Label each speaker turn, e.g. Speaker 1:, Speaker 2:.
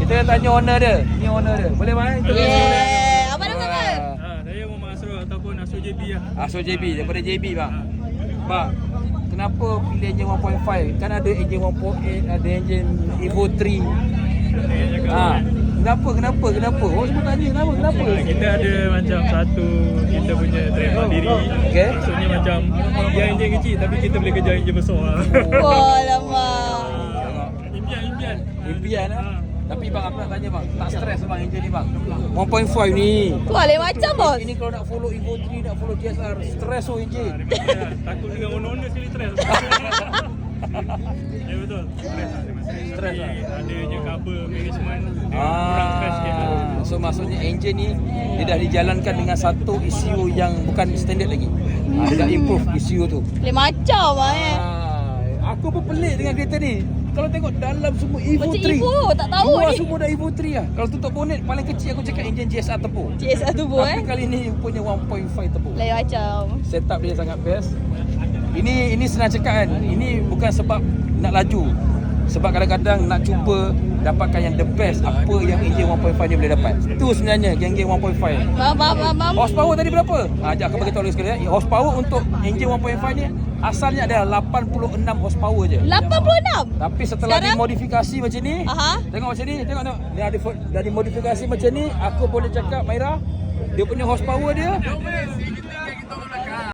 Speaker 1: Kita tanya owner dia. Ni owner dia. Boleh Mai?
Speaker 2: Yeah. Apa nama kau?
Speaker 3: Saya Muhammad Asrul ataupun Asrul JB lah.
Speaker 1: Asal JB, daripada JB bang. Bang, kenapa pilih enjin 1.5? Kan ada enjin 1.8, ada enjin Evo 3. Kenapa? Oh, semua tanya kenapa?
Speaker 3: Kita ada macam satu kita punya trademark diri.
Speaker 1: Okey.
Speaker 3: Maksudnya macam dia enjin kecil tapi kita boleh kejar enjin besar lah.
Speaker 2: Oh, lama.
Speaker 3: Impian.
Speaker 1: Impian lah. Tapi bang, aku nak tanya bang, tak stres bang enjin ni bang? 1.5 ni.
Speaker 2: Tu lain macam bos.
Speaker 1: Ini kalau nak follow Evo 3, nak follow GSR, stres oh enjin.
Speaker 3: Takut dengan owner sekali stres. Ya betul.
Speaker 1: Stres lah.
Speaker 3: Adanya kabel management kurang fresh sikit lah.
Speaker 1: So maksudnya enjin ni dia dah dijalankan dengan satu ECU yang bukan standard lagi. Dia dah improve ECU tu.
Speaker 2: Lain macam lah
Speaker 1: Aku pun pelik dengan kereta ni. Kalau tengok dalam semua Evo
Speaker 2: Macam
Speaker 1: 3.
Speaker 2: Evo, tak tahu
Speaker 1: Luar
Speaker 2: ni.
Speaker 1: semua dah Evo 3 lah. Kalau tutup bonet paling kecil aku cakap enjin GSR Turbo.
Speaker 2: GSR Turbo
Speaker 1: Tapi kali ni punya 1.5 Turbo.
Speaker 2: Lain macam.
Speaker 1: Setup dia sangat best. Ini senang cakap kan. Ini bukan sebab nak laju. Sebab kadang-kadang nak cuba dapatkan yang the best apa yang enjin 1.5 ni boleh dapat. Itu sebenarnya geng-geng 1.5.
Speaker 2: Mam.
Speaker 1: Horsepower tadi berapa? Sekejap aku bagi tahu lagi sekali. Horsepower untuk enjin 1.5 ni asalnya adalah 86 horsepower je.
Speaker 2: 86?
Speaker 1: Tapi setelah
Speaker 2: Sekarang?
Speaker 1: dimodifikasi macam ni,
Speaker 2: Aha.
Speaker 1: tengok macam ni, tengok. Dia ada dah dimodifikasi macam ni, aku boleh cakap Maira, dia punya horsepower dia